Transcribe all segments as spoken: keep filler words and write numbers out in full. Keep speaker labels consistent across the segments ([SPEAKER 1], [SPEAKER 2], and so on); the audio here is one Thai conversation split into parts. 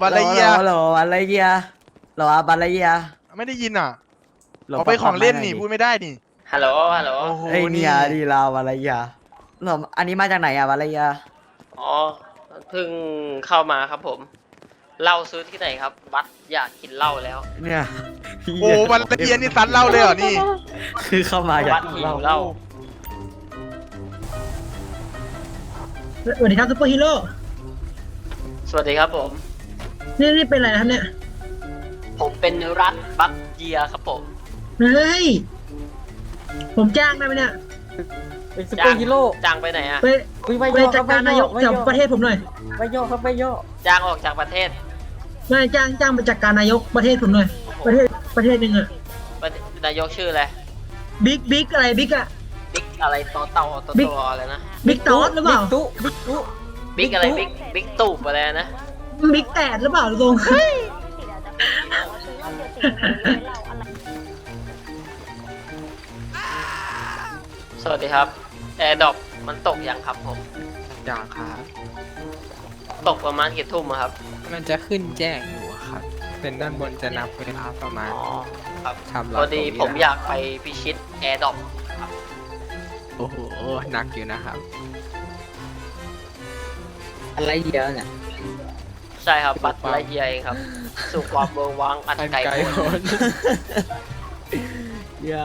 [SPEAKER 1] บัลไลเยีย
[SPEAKER 2] โหลบัลไลเยียโหลบัลไลเยีย
[SPEAKER 1] ไม่ได้ยินอ่ะ
[SPEAKER 2] โหล
[SPEAKER 1] เอาไปของเล่น
[SPEAKER 2] ปรับ
[SPEAKER 1] นี่
[SPEAKER 2] ปรับ
[SPEAKER 1] พูดไม่ได้นี่
[SPEAKER 3] ฮัลโหล ฮัลโหล
[SPEAKER 1] โอ้โห
[SPEAKER 2] เอ้ย
[SPEAKER 1] นี่
[SPEAKER 2] เนี่ยดีลาวบัลไลเยียโหลอันนี้มาจากไหนอะบัลไลเยีย
[SPEAKER 3] อ๋อ เพิ่งเข้ามาครับผม เหล้าซื้อที่ไหนครับ บัสอยากกินเหล้าแล้ว
[SPEAKER 2] เนี่ย
[SPEAKER 1] โอ้บัลไลเยียนี่ซัดเหล่าเลยเหรอนี่
[SPEAKER 2] คือเข้ามาจาก
[SPEAKER 3] บัสหิวเหล้า
[SPEAKER 4] สวัสดีครับซุปเปอร์ฮีโร่
[SPEAKER 3] สวัสดีครับผม
[SPEAKER 4] นี่นี่เป็นอะไรนะครับเนี่ย
[SPEAKER 3] ผมเป็นรัฐบัสเยียครับผม
[SPEAKER 4] เฮ้ย ผมจ้างได้ไหมเนี่ย
[SPEAKER 2] เป็นซุปเปอร์ฮีโร่
[SPEAKER 3] จ้างไปไหนอะ
[SPEAKER 4] ไป
[SPEAKER 2] อุ๊ย
[SPEAKER 4] ไปจัดการนายกจากประเทศผมหน่อย
[SPEAKER 2] ไปโยกครับไปโยก
[SPEAKER 3] จ้างออกจากประเทศ
[SPEAKER 4] ไม่จ้างจ้างไปจัดการนายกประเทศผมหน่อย ประเทศประเทศหนึ่งอะ
[SPEAKER 3] ประเทศนายกชื่ออะไร
[SPEAKER 4] บิ๊กบิ๊กอะไรบิ๊กอะ
[SPEAKER 3] บิ๊กอะไรโตเต่าโต
[SPEAKER 4] บิ๊
[SPEAKER 3] โต
[SPEAKER 4] ก
[SPEAKER 3] อะไรนะ
[SPEAKER 4] บิ๊กตอสหรือเปล่า
[SPEAKER 2] บิ๊กตุ๊บิ๊กตุ๊
[SPEAKER 3] บิ๊กอะไร บิ๊ก บิ๊กตูบอะไรนะ
[SPEAKER 4] บิ๊กแตดหรือเปล่าลุง
[SPEAKER 3] สวัสดีครับ แอร์ดรอปมันตกยังครับผม
[SPEAKER 5] อย่างครับ
[SPEAKER 3] ตกประมาณกี่ทุ่มอะครับ
[SPEAKER 5] มันจะขึ้นแจ้งอยู่ครับ เป็นด้านบนจะนับเวลาประมาณ
[SPEAKER 3] อ๋อ ครับ
[SPEAKER 5] ทำ
[SPEAKER 3] พอดีผมอยากไปพิชิตแอร์ดรอป
[SPEAKER 5] โอ้โห หนักอยู่นะครับ
[SPEAKER 2] อะไรเยียเนี่ย
[SPEAKER 3] ใช่ครับ บัตรไลเยียเองครับ สู่ความเบอร์วังอัน
[SPEAKER 5] อัน
[SPEAKER 3] ไกล
[SPEAKER 5] ไกล
[SPEAKER 3] โพ้
[SPEAKER 5] โพ้
[SPEAKER 3] น
[SPEAKER 5] น
[SPEAKER 2] อย่า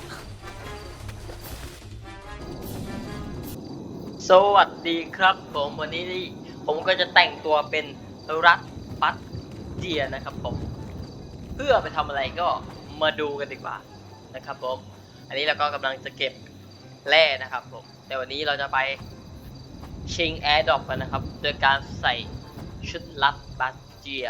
[SPEAKER 3] สวัสดีครับผมวันนี้นี่ผมก็จะแต่งตัวเป็นรัฐบัตเจียนะครับผม เพื่อไปทำอะไรก็มาดูกันดีกว่านะครับผม อันนี้เราก็กำลังจะเก็บแร่นะครับผม แต่วันนี้เราจะไปชิงแอร์ดรอปกันนะครับ โดยการใส่ชุดลัดบัตเจีย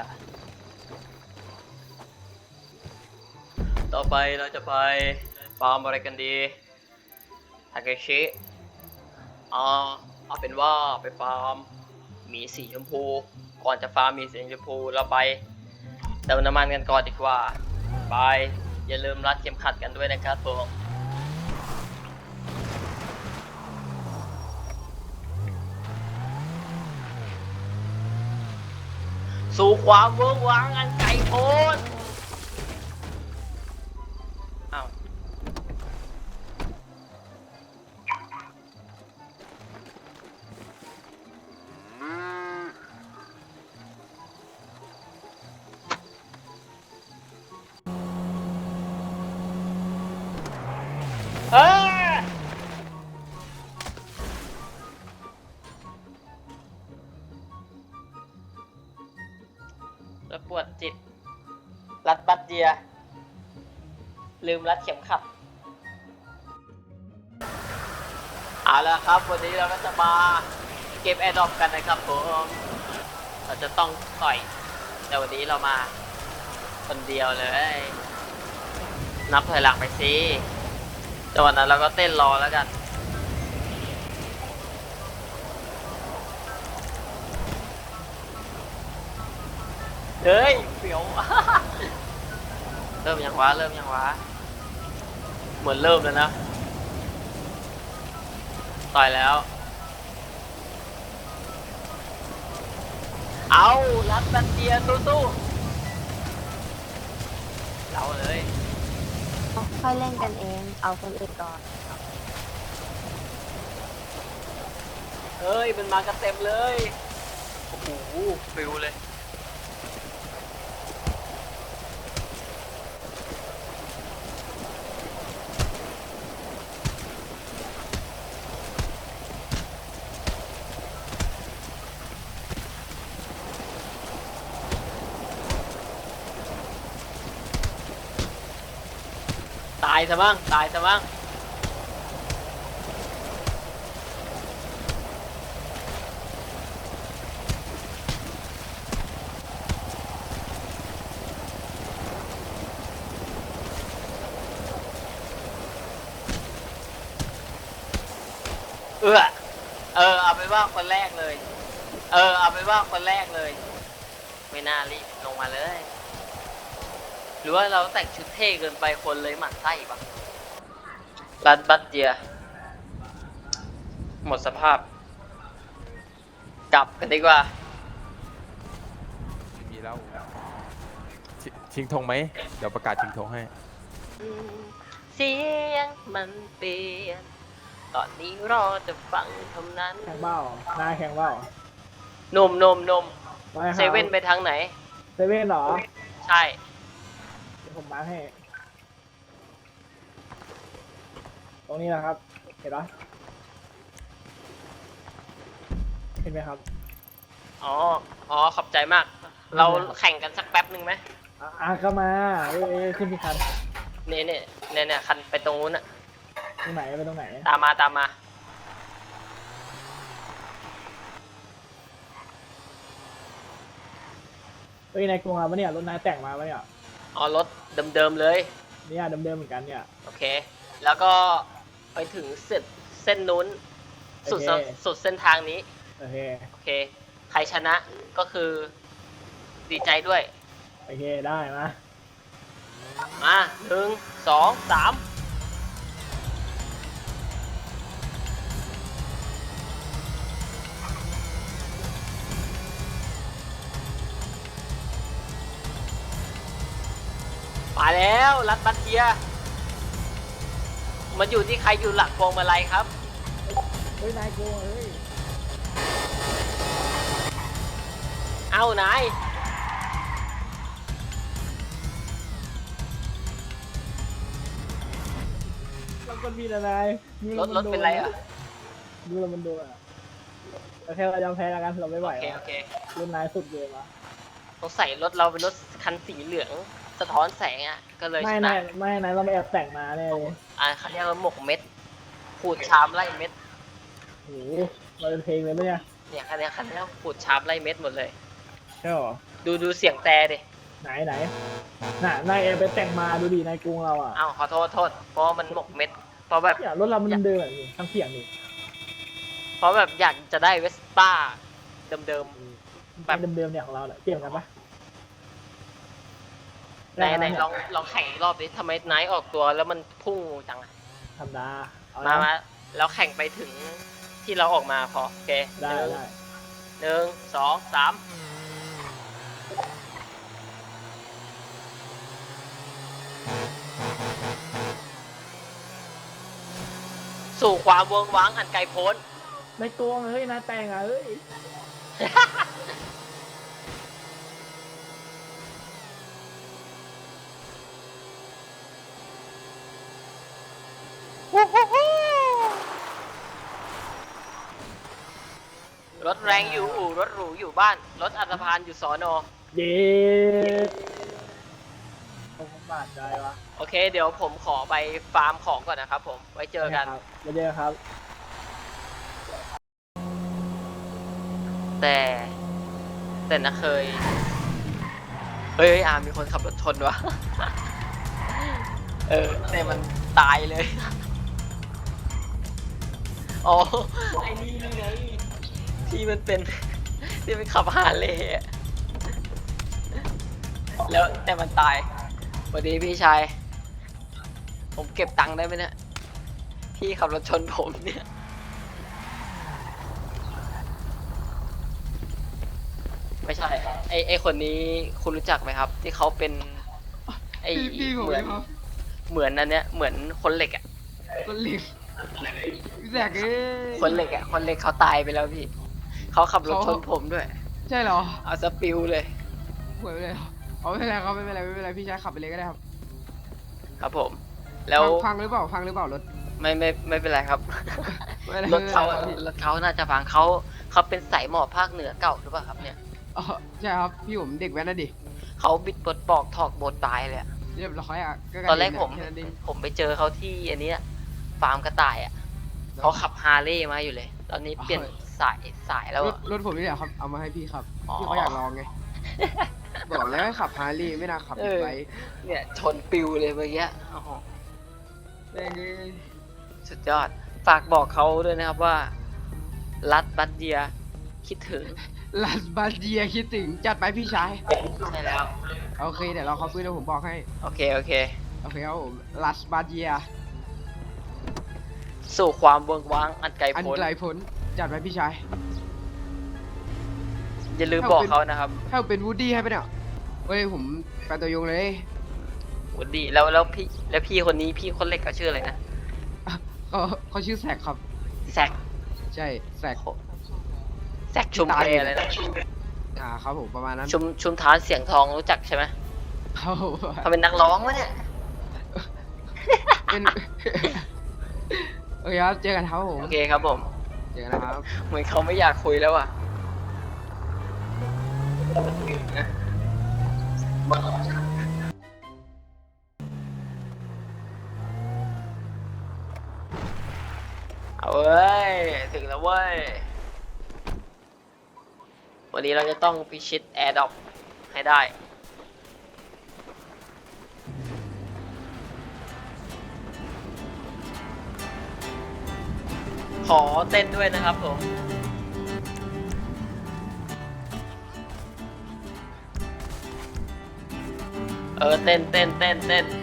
[SPEAKER 3] ต่อไปเราจะไปฟาร์มอะไรกันดีทาเกชิเอาเอาเป็นว่าไปฟาร์มหมีสีชมพู ก่อนจะฟาร์มหมีสีชมพูเราไปเติมน้ำมันกันก่อนดีกว่าไปอย่าลืมรัดเข็มขัดกันด้วยนะครับผมสู่ความเวิร์กว้างอันไกลโพ้นอ้าวเอ้ยแล้วปวดจิต รัดบัตเดีย ลืมรัดเข็มขัด เอาละครับ วันนี้เราก็จะมาเก็บแอร์ดรอปกันนะครับผม เราจะต้องต่อย แต่วันนี้เรามาคนเดียวเลย นับถอยหลังไปสิแต่วันนั้นเราก็เต้นรอแล้วกัน เฮ้ยเปียว เริ่มยังวะเริ่มยังวะเหมือนเริ่มแล้วนะต่อยแล้ว เอารัดบันเดียสู้ๆเราเลย
[SPEAKER 6] ค่อยเล่นกันเอง เอาคนอื่นก่อน
[SPEAKER 3] เฮ้ยมันมากันเต็มเลยโอ้โหฟิวเลยตายซะบ้างตายซะบ้างเออเออเอาไปว่าคนแรกเลย เออเอาไปว่าคนแรกเลย ไม่น่ารีบลงมาเลยหรือว่าเราแต่งชุดเท่เกินไปคนเลยหมั่นไส้ปะรัดบัตเดีย หมดสภาพ กลับกันดีกว่า
[SPEAKER 5] ไม่มี
[SPEAKER 7] แล้วชชิงธงไหมเดี๋ยวประกาศชิงธงให้
[SPEAKER 3] เสียงมันเปลี่ยนตอนนี้รอจะฟังเท่านั้น
[SPEAKER 8] แข่งเบ้านายแข่งเบ้า
[SPEAKER 3] หนมนมนม
[SPEAKER 8] ไม่ครับ
[SPEAKER 3] เซเว่นไปทางไหน
[SPEAKER 8] เซเว่นเหรอ
[SPEAKER 3] ใช่
[SPEAKER 8] เดี๋ยวผมมาร์คให้ ตรงนี้นะครับ เห็นปะเห็นไหมครับ
[SPEAKER 3] อ๋อ อ๋อ ขอบใจมาก เราแข่งกันสักแป๊บหนึ่งไหม
[SPEAKER 8] อ่ะอ่ะก็มาเอ้ยเอ้ยขึ้นที่คัน
[SPEAKER 3] เนี่ยเนี่ยเนี่ยเนี่ยคันไปตรงนู้นอะ
[SPEAKER 8] ตรงไหนไปตรงไหน
[SPEAKER 3] ตามมาตามมา
[SPEAKER 8] เอ้ยนายกรุงมาปะเนี่ยรถนายแต่งมาปะเนี่ย
[SPEAKER 3] อ๋อ รถเดิมๆเลย
[SPEAKER 8] เนี่ยเดิมๆเหมือนกันเนี่ย
[SPEAKER 3] โอเค แล้วก็ไปถึงเส้นเส้นนู้น สุด
[SPEAKER 8] โอเค
[SPEAKER 3] สุดเส้นทางนี้
[SPEAKER 8] โอเค
[SPEAKER 3] โอเค ใครชนะก็คือดีใจด้วย
[SPEAKER 8] โอเคได้มา
[SPEAKER 3] มาหนึ่งสองสามมาแล้วรัดบัตเทียมันอยู่ที่ใครอยู่หลักพวงมาลัยครับ
[SPEAKER 8] เฮ้ยนายกรุงเฮ้ย
[SPEAKER 3] เอ้านาย
[SPEAKER 8] รถมันมีอะไรดู
[SPEAKER 3] ร
[SPEAKER 8] แล้ว
[SPEAKER 3] ถ
[SPEAKER 8] มั
[SPEAKER 3] รถเป็นไรอ่ะ
[SPEAKER 8] ดูแล้วมันโดนอ่ะโอเคเรายอมแพ้แล้วกันเราไม่ไหว
[SPEAKER 3] โอเค
[SPEAKER 8] แล้ว
[SPEAKER 3] โอเค
[SPEAKER 8] รุ่นนายสุดเลยมา
[SPEAKER 3] ต้องใส่รถเราเป็นรถคันสีเหลืองสะท้อนแสงอ่ะ ก็เลย
[SPEAKER 8] ไม่
[SPEAKER 3] ช
[SPEAKER 8] นา
[SPEAKER 3] นะ
[SPEAKER 8] ยไม่นายเราไม่แอบแต่งมาแน่เลย
[SPEAKER 3] อ่าเขาเรียกว่าหมกเม็ดขูดชามไล่เม็ด
[SPEAKER 8] โอ้โหมาเป็นเพลงเลยปะเนี่ย
[SPEAKER 3] เนี่ยคันเนี้ยคันเนี้ยขูดชามไล่เม็ดหมดเลย
[SPEAKER 8] ใช่หรอ
[SPEAKER 3] ดูดูเสียงแต่ดิ
[SPEAKER 8] ไหนไหนน่ะนายแอบไปแต่งมาดูดินายกรุงเราอ่ะ
[SPEAKER 3] อ้าวขอโทษโทษเพราะมันหมกเม็ด เพราะแบบ
[SPEAKER 8] เนี่ยรถเรามันเดิมๆแบบนี้ทั้งเสียงนี่
[SPEAKER 3] เพราะแบบอยากจะได้เวสป้าเดิม
[SPEAKER 8] แบบเดิมๆเนี่ยของเราเนี่ยเปลี่ยนกันปะ
[SPEAKER 3] ๆในในลองลองแข่งอีกรอบดิทำไมไนท์ออกตัวแล้วมันพุ่งจังอะ
[SPEAKER 8] ธรรมดาเอา
[SPEAKER 3] มา
[SPEAKER 8] นะ
[SPEAKER 3] มาแล้วแข่งไปถึงที่เราออกมาพอโอเค
[SPEAKER 8] ได้
[SPEAKER 3] หนึ่ง
[SPEAKER 8] ได้
[SPEAKER 3] หนึ่งสองสามสู่ความเวิร์กว้างอันไกลโพ้น
[SPEAKER 8] นายกรุงเฮ้ยนายแต่งอ่ะเฮ้ย
[SPEAKER 3] รถแรงอยู่อู่รถหรูอยู่บ้าน รถอัตภานอยู่สอนอ
[SPEAKER 8] เย้ผมบาดใจวะ
[SPEAKER 3] โอเค เดี๋ยวผมขอไปฟาร์มของก่อนนะครับผม ไว้เจอกัน
[SPEAKER 8] ครับมาเจอครับ
[SPEAKER 3] แต่แต่นะเคย เฮ้ยอามีคนขับรถชนวะ เออ แต่มันตายเลย อ๋อ ไอ้นี่นี่ไง ที่มันเป็น ที่มันขับฮาร์เลย์อะแล้วแต่มันตายสวัสดีพี่ชาย ผมเก็บตังค์ได้ไหมเนี่ย พี่ขับรถชนผมเนี่ย ไม่ใช่ ไอไอคนนี้คุณรู้จักไหมครับ ที่เขาเป็น ไอเหมือนเหมือนอันเนี้ยเหมือนคนเหล็กอ่ะ
[SPEAKER 5] คนเหล็กพี่แซกเอ้ย
[SPEAKER 3] คนเหล็กอ่ะคนเหล็กเขาตายไปแล้วพี่เขาขับรถชนผมด้วย
[SPEAKER 5] ใช่เหรอ
[SPEAKER 3] เอาสปิวเลย
[SPEAKER 5] หวยไปเลยเหรอเอาไม่เป็นไรครับไม่เป็นไรไม่เป็นไรพี่ชายขับไปเลยก็ได้ครับ
[SPEAKER 3] ครับผม แล้ว
[SPEAKER 5] ฟังฟังหรือเปล่าฟังหรือเปล่ารถ
[SPEAKER 3] ไม่ไม่ไม่เป็นไรครับ
[SPEAKER 5] ไม่เป็นไร
[SPEAKER 3] รถเขา
[SPEAKER 5] ไม่เป็นไรครับ
[SPEAKER 3] รถเขาน่าจะฟังเขาเขาเป็นสายหมอบภาคเหนือเก่าหรือเปล่าครับเนี่ย
[SPEAKER 5] อ๋อใช่ครับพี่ผมเด็กแว้นนะดิ
[SPEAKER 3] เขาบิดปลดปอกถอกโบดตายเลยอะ
[SPEAKER 5] เรียบร้อยอ่ะ
[SPEAKER 3] ตอนแรกผม
[SPEAKER 5] แค่นั้นเอง
[SPEAKER 3] ผมไปเจอเขาที่อันเนี้ยฟาร์มกระต่ายอ่ะเขาขับฮาร์เลย์มาอยู่เลย ตอนนี้เปลี่ยนสายสายแล้ว
[SPEAKER 5] รถ
[SPEAKER 3] อะ
[SPEAKER 5] รถผมนี่แหละครับเอามาให้พี่ครับ
[SPEAKER 3] อ๋อ
[SPEAKER 5] พี่เขาอยากลองไง บอกแล้วให้ขับฮาร์ลีย์ไม่น่าขับ
[SPEAKER 3] เอ
[SPEAKER 5] บิ๊ก
[SPEAKER 3] อ
[SPEAKER 5] ไบค์
[SPEAKER 3] เนี่ยชนปิวเลยเมื่อกี้โอ้โห
[SPEAKER 5] แม่งเอ้ย
[SPEAKER 3] สุดยอด ฝากบอกเขาด้วยนะครับว่า รัดบัตเดียคิดถึง
[SPEAKER 5] ลาสบาเดียคิดถึงจัดไปพี่ชาย
[SPEAKER 3] ใช่แล้ว
[SPEAKER 5] โอเคเดี๋ยวเราเขาฟื้นแล้วผมบอกให้
[SPEAKER 3] โอเค โอเค
[SPEAKER 5] โอเคครับผมลาสบาเดีย
[SPEAKER 3] สู่ความเวิงว้างอันไกล
[SPEAKER 5] อัน
[SPEAKER 3] โพ้น
[SPEAKER 5] ไกลพ้นจัดไปพี่ชาย
[SPEAKER 3] อย่าลืมบอกเขานะครับ
[SPEAKER 5] ถ้าเป็นวูดดี้ให้ไปเนี่ยเฮ้ยผมแฟนตัวยงเลย
[SPEAKER 3] วันดีแล้วแล้วพี่แล้วพี่คนนี้พี่คนเล็กเขาชื่ออะไรนะ
[SPEAKER 5] ก็เขาชื่อแซกครับ
[SPEAKER 3] แซก
[SPEAKER 5] ใช่แซก
[SPEAKER 3] แซกชุมแพอะไรนะ
[SPEAKER 5] อ่าครับผมประมาณนั้น
[SPEAKER 3] ชุมชุมทานเสียงทองรู้จักใช่ไหม
[SPEAKER 5] เขา
[SPEAKER 3] เขาเป็นนักร้องวะเนี่ย
[SPEAKER 5] เป็น โอเคครับเจอกันครับผม
[SPEAKER 3] โอเคครับผม
[SPEAKER 5] เจอกันนะครับ
[SPEAKER 3] เหมือนเขาไม่อยากคุยแล้วอ่ะเอาเว้ย ถึงแล้วเว้ย วันนี้เราจะต้องพิชิตแอร์ดรอปให้ได้ ขอเต้นด้วยนะครับผม เออ เต้นเต้นเต้นเต้น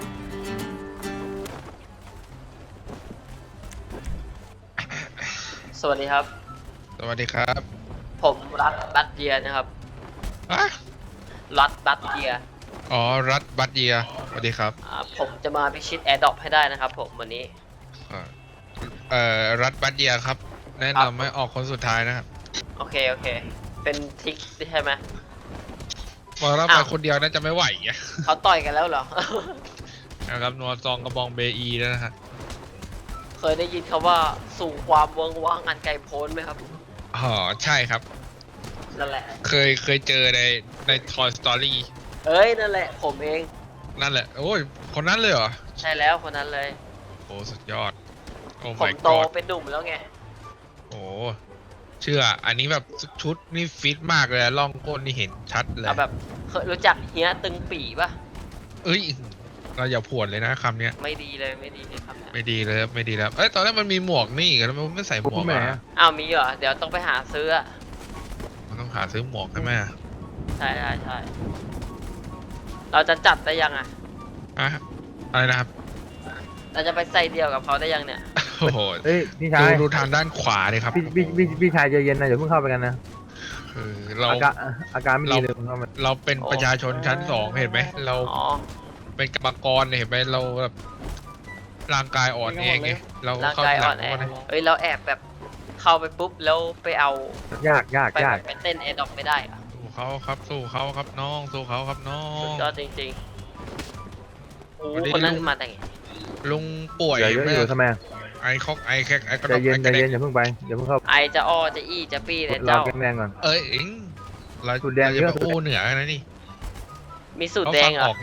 [SPEAKER 3] สวัสดีครับ
[SPEAKER 1] สวัสดีครับ
[SPEAKER 3] ผมรัฐบัตเยียนะครับ
[SPEAKER 1] อะ
[SPEAKER 3] รัฐบัตเยีย
[SPEAKER 1] อ๋อ รัฐบัตเยียสวัสดีครับ
[SPEAKER 3] อ่าผมจะมาพิชิตแอร์ดรอปให้ได้นะครับผมวันนี้
[SPEAKER 1] อ่าเอ่อ รัฐบัตเยียครับ แนะนำให้ออกคนสุดท้ายนะครับ
[SPEAKER 3] โอเค โอเค เป็นทริกใช่ไหม
[SPEAKER 1] บอกเราไป
[SPEAKER 3] อ้าว
[SPEAKER 1] คนเดียวน่าจะไม่ไหวอะ
[SPEAKER 3] เขาต่อยกันแล้วเหรอ
[SPEAKER 1] นะครับนัวซองกระบองเบอีแล้วนะฮะ
[SPEAKER 3] เคยได้ยินคำว่าสู่ความเวิงว่างอันไกลโพ้นไหมครับ
[SPEAKER 1] อ๋อ ใช่ครับ
[SPEAKER 3] นั่นแหละ
[SPEAKER 1] เคยเคยเจอในใน Toy Story
[SPEAKER 3] เอ้ย นั่นแหละ ผมเอง
[SPEAKER 1] นั่นแหละ โอ้ย คนนั้นเลยเหรอ
[SPEAKER 3] ใช่แล้วคนนั้นเลย
[SPEAKER 1] โอ้สุดยอด โอ้
[SPEAKER 3] ผม
[SPEAKER 1] my
[SPEAKER 3] โต
[SPEAKER 1] god
[SPEAKER 3] เป็นหนุ่มแล้วไง
[SPEAKER 1] โอ้เชื่อ อันนี้แบบชุดนี่ฟิตมากเลยล่องก้นนี่เห็นชัดเลย
[SPEAKER 3] เอาแบบเคยรู้จักเฮียตึงปี่ปะ
[SPEAKER 1] เอ้ย เราอย่าผวนเลยนะคำเนี้ย
[SPEAKER 3] ไม่ดีเลยไม่ดีเลยครับ
[SPEAKER 1] ไม่ดีเลยครับไม่ดีแล้ว เอ้ย ตอนแรกมันมีหมวกนี่แล้วมันไม่ใส่หมวกอ่ะ
[SPEAKER 3] อ้าวมีเหรอ เดี๋ยวต้องไปหาซื้ออะ
[SPEAKER 1] มันต้องหาซื้อหมวกใช่ไหมอะ
[SPEAKER 3] ใช่ใช่ใช่เราจะจัดได้ยังอะ
[SPEAKER 1] อะอะไรนะครับ
[SPEAKER 3] เราจะไปใส่เดียวกับเขาได้ยังเนี่ย
[SPEAKER 1] โอ้โห
[SPEAKER 9] เฮ้ยพี่ชา
[SPEAKER 1] ดู
[SPEAKER 9] ย
[SPEAKER 1] ดูทางด้านขวาเลยครับ
[SPEAKER 9] พี่พี่พี่พี่ชายใจเย็นนะอย่าเพิ่งเข้าไปกันนะ
[SPEAKER 1] คือเรา
[SPEAKER 9] อาการอาการไม่ดีเลยเพิ่งเข้ามา
[SPEAKER 1] เราเป็นประชาชนชั้นสองเห็นไหม เรา
[SPEAKER 3] อ๋อ
[SPEAKER 1] เป็นกรรมกรเนี่ยเห็นไหมเราแบบร่างกายอ่อนเองไงเรา
[SPEAKER 3] ร่าง
[SPEAKER 1] เข้าก
[SPEAKER 3] าย
[SPEAKER 1] ห
[SPEAKER 3] อ่
[SPEAKER 1] ลั
[SPEAKER 3] อน
[SPEAKER 1] ง
[SPEAKER 3] แอ
[SPEAKER 1] ว่านะ
[SPEAKER 3] เฮ้ยเราแอบแบบเข้าไปปุ๊บแล้วไปเอา
[SPEAKER 9] ยากยาก
[SPEAKER 3] ไป
[SPEAKER 9] ยาก
[SPEAKER 3] ไปเต้นแอร์ดรอปไม่ได้อะ
[SPEAKER 1] สู้เขาครับสู้เขาครับน้องสู้เขาครับน้อ
[SPEAKER 3] สุด
[SPEAKER 1] ง
[SPEAKER 3] ยอดจริงๆโอ้
[SPEAKER 1] วันนี้
[SPEAKER 3] คนนั้น
[SPEAKER 1] ลุง
[SPEAKER 3] มาแต่ไง
[SPEAKER 1] ลุงป่วย
[SPEAKER 9] อย่าเยอะ
[SPEAKER 1] ไหม
[SPEAKER 9] อยู่ทำไม
[SPEAKER 1] ไอคอกไอแคกไอกระ
[SPEAKER 9] ใจ
[SPEAKER 1] ดก
[SPEAKER 9] เย็น
[SPEAKER 1] ไอ
[SPEAKER 9] ใจ
[SPEAKER 1] กระเด็
[SPEAKER 9] เย็น
[SPEAKER 1] ก
[SPEAKER 9] อย่าเพิ่งไปอย่าเพิ่งเข้า
[SPEAKER 3] ไอจะอ้อจะอี้จะปี้เนี่ย
[SPEAKER 9] เรา
[SPEAKER 3] เจ้า
[SPEAKER 9] แข็งแรงก่อน
[SPEAKER 1] เอ้ยเอ็งเรา
[SPEAKER 9] สูตรแดง
[SPEAKER 1] เราจะ
[SPEAKER 9] เย
[SPEAKER 1] ไป
[SPEAKER 9] อะ
[SPEAKER 1] อู้เหนือกันนะนี่
[SPEAKER 3] มีสูตร
[SPEAKER 1] เขา
[SPEAKER 3] แด
[SPEAKER 1] ฟั
[SPEAKER 3] ง
[SPEAKER 1] ง
[SPEAKER 3] เหร
[SPEAKER 1] อ
[SPEAKER 3] อ
[SPEAKER 1] อกนะ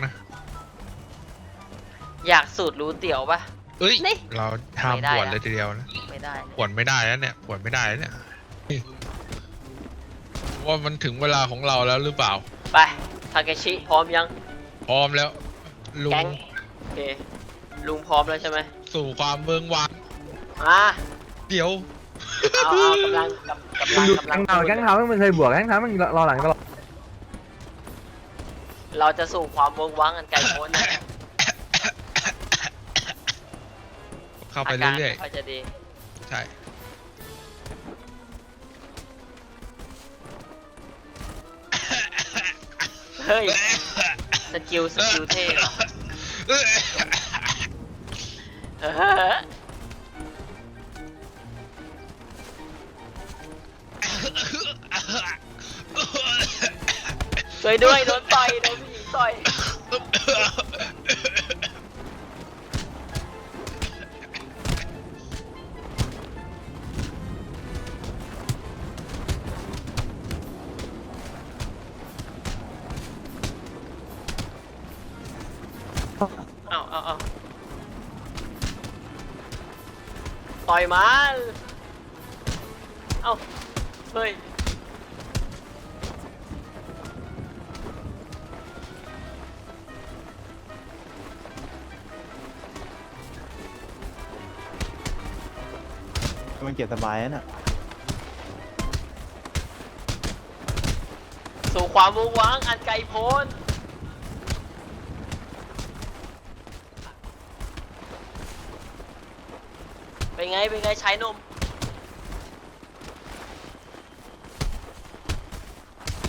[SPEAKER 3] อยากสูตรรู้เตี๋ยวปะ
[SPEAKER 1] เอ้ย
[SPEAKER 3] นี่
[SPEAKER 1] เราห้าม
[SPEAKER 3] ไม่ได้
[SPEAKER 1] ปวด
[SPEAKER 3] อะ
[SPEAKER 1] เลยทีเดียวนะ
[SPEAKER 3] ไม่ได้
[SPEAKER 1] ปวดไม่ได้แล้วเนี่ยปวดไม่ได้แล้วเนี่ยว่ามันถึงเวลาของเราแล้วหรือเปล่า
[SPEAKER 3] ไปทาเกชิพร้อมยัง
[SPEAKER 1] พร้อมแล้ว ลุ
[SPEAKER 3] แก๊
[SPEAKER 1] ง
[SPEAKER 3] งโอเคลุงพร้อมแล้วใช่ไหม
[SPEAKER 1] สู่ความเมืองวาง
[SPEAKER 3] มา
[SPEAKER 1] เดี๋ยว
[SPEAKER 3] เอาเอากำลังกำกำลัง
[SPEAKER 9] ดู
[SPEAKER 3] กำลั
[SPEAKER 9] แข้
[SPEAKER 3] ง
[SPEAKER 9] งเท้าแข้งเท้ามันเคยบวกแข้งเท้ามันรอหลังตลอด
[SPEAKER 3] เราจะสู่ความเมืองว้างอันไกลโพ้นนะ
[SPEAKER 1] เข้าไป
[SPEAKER 3] อาการ
[SPEAKER 1] เรื่อย
[SPEAKER 3] ไม่ค่อยจะดี
[SPEAKER 1] ๆใช่
[SPEAKER 3] เฮ้ยสกิลสกิลเท่เหรอเออช่วยด้วยโดนต่อยโดนผู้หญิงต่อยเอาเอาเอาต่อยมันเอาเฮ้ย
[SPEAKER 9] มันเก็บสบายนะ
[SPEAKER 3] สู่ความวงว้างอันไกลโพ้นเป็นไง เป็นไงใช้นม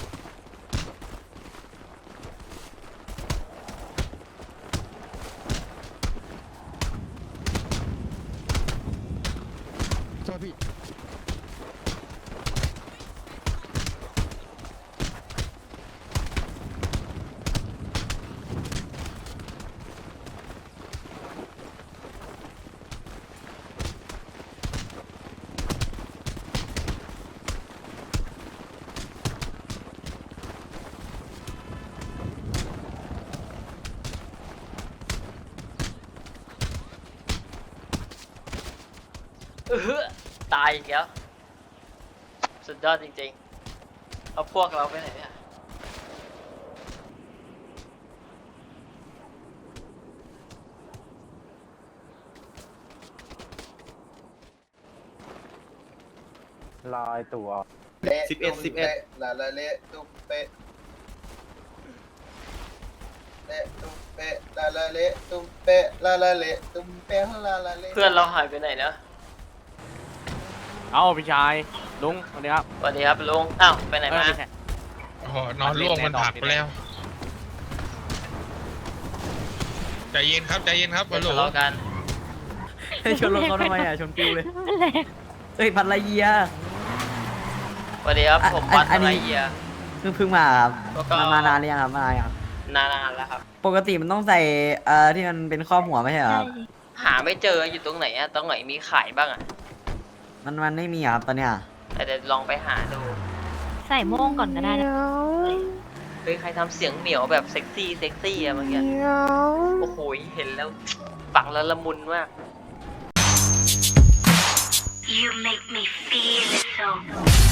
[SPEAKER 3] เออตายอีกแล้วสุดยอดจริงๆเอาพวกเราไปไหนเนี่ย
[SPEAKER 9] ลอยตัว
[SPEAKER 10] สิบเอ็ดสิบเอ็ดลาลาเละตุ๊เป๊ะเละตุ๊เป๊ะลาลาเละตุ๊เป๊ะลาลาเละตุ๊เป๊ะลาลาเละ
[SPEAKER 3] เพื่อนเราหายไปไหนนะ
[SPEAKER 7] เอาพี่ชายลุงสวัสดีครับ
[SPEAKER 3] สวัสดีครับลุงอ้าวไปไหนมา
[SPEAKER 1] โอ้โหนอนล่วงมันผักไปแล้ว ใจเย็นครับใจเย็นครับ
[SPEAKER 3] เดี๋ยว
[SPEAKER 1] ฮัลโหล
[SPEAKER 3] ทะเลาะกัน
[SPEAKER 2] ให้ชนรถเขาทำไมอ่ะชนปิวเลยเอ้ยพันละเยีย
[SPEAKER 3] สวัสดีครับ
[SPEAKER 2] อ่ะ
[SPEAKER 3] ผม
[SPEAKER 2] อัน
[SPEAKER 3] วัด
[SPEAKER 2] อัน
[SPEAKER 3] อะไร
[SPEAKER 2] นี้
[SPEAKER 3] เยีย
[SPEAKER 2] เพิ่งเพิ่งมาครับ
[SPEAKER 3] แล้วก็
[SPEAKER 2] มามานานหรือยังครับมานานยังครับ
[SPEAKER 3] นานๆแล้วครับ
[SPEAKER 2] ปกติมันต้องใส่เอ่อที่มันเป็นครอบหัวไม่ใช่เหรอครับ
[SPEAKER 3] หาไม่เจออยู่ตรงไหนอะตรงไหนมีขายบ้างอะ
[SPEAKER 2] มันมันไม่มีอะครับตอนเนี้ย
[SPEAKER 3] แต่เดี๋ยวลองไปหาดู
[SPEAKER 6] ใส่โม่งก่อนก็ได้นะ
[SPEAKER 3] เฮ้ยใครทำเสียงเหมียวแบบเซ็กซี่เซ็กซี่อะเมื่อกี้โอ้โหเห็นแล้วฟังแล้วละมุนมาก
[SPEAKER 6] You make me feel so